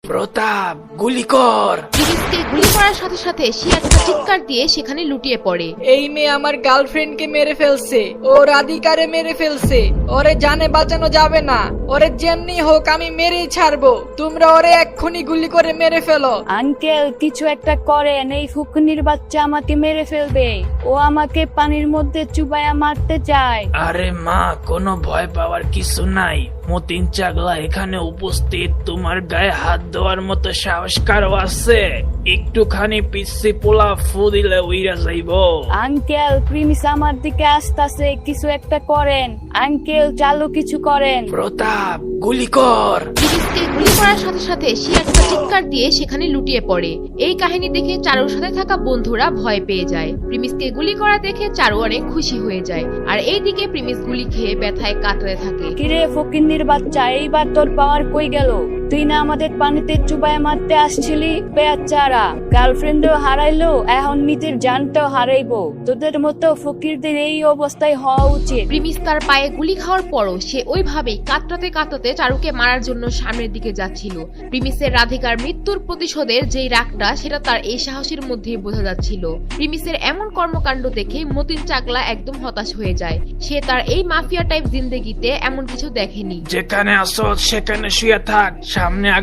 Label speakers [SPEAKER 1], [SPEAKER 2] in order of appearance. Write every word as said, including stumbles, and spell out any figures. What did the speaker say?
[SPEAKER 1] প্রতাপ, গুলি কর।
[SPEAKER 2] প্রিমিসকে গুলি করার সাথে সাথে সে একটা চিৎকার দিয়ে সেখানে লুটিয়ে পড়ে।
[SPEAKER 3] এই মেয়ে আমার গার্লফ্রেন্ডকে মেরে ফেলছে, ও রাধিকারে মেরে ফেলছে। ওরে জানে বাঁচানো যাবে না, ওরে যেমনি হোক আমি মেরেই ছাড়বো। তোমরা ওরে এক্ষুনি গুলি করে মেরে ফেলো।
[SPEAKER 4] আঙ্কেল, কিছু একটা করেন, এই ফুকনির বাচ্চা আমাকে মেরে ফেলবে। ও আমাকে পানির মধ্যে চুবাইয়া মারতে চায়।
[SPEAKER 1] আরে মা, কোনো ভয় পাওয়ার কিছু নাই। মতিন চাগলা এখানে উপস্থিত, তোমার গায়ে হাত দেওয়ার মতো সাহস কারো আছে? একটুখানি পিচ্ছি পোলা ফু দিলে উইরা যাইব।
[SPEAKER 4] আঙ্কেল, প্রিমিস আমার দিকে আসতেছে, কিছু একটা করেন। আঙ্কেল, চালু কিছু করেন।
[SPEAKER 1] প্রতাপ, গুলি কর।
[SPEAKER 2] প্রিমিসকে গুলি করার সাথে সাথে সে একটা চিৎকার দিয়ে সেখানে লুটিয়ে পড়ে। এই কাহিনী দেখে চারুর সাথে থাকা বন্ধুরা ভয় পেয়ে যায়। প্রিমিসকে গুলি করা দেখে চারু অনেক খুশি হয়ে যায়। আর এইদিকে প্রিমিস গুলি খেয়ে ব্যথায় কাতরাতে থাকে।
[SPEAKER 4] কিরে ফকিন্নির বাচ্চা, এইবার তোর পাওয়ার কই গেল? তুই না আমাদের পানিতে চুবাইয়া মারতে আসছিলি? বেচারা গার্লফ্রেন্ডও হারাইলো, এখন নিজের জানটাও হারাইবো। তোদের মতো ফকিরদের এই অবস্থায় হওয়া উচিত।
[SPEAKER 2] প্রিমিস তার পায়ে গুলি খাওয়ার পরও সে ওইভাবেই কাতরাতে কাতরাতে চারুকে মারার জন্য সামনের দিকে যাচ্ছিল। প্রিমিসের রাধিকার মৃত্যুর প্রতিশোধের যেই রাগটা, সেটা তার এই সাহসের মধ্যেই বোঝা যাচ্ছিল। প্রিমিসের এমন কর্মকাণ্ড দেখে মতিন চাকলা একদম হতাশ হয়ে যায়। সে তার এই মাফিয়া টাইপ জিন্দেগিতে এমন কিছু দেখেনি।
[SPEAKER 1] যেখানে আসো সেখানে শুয়ে থাক, সামনে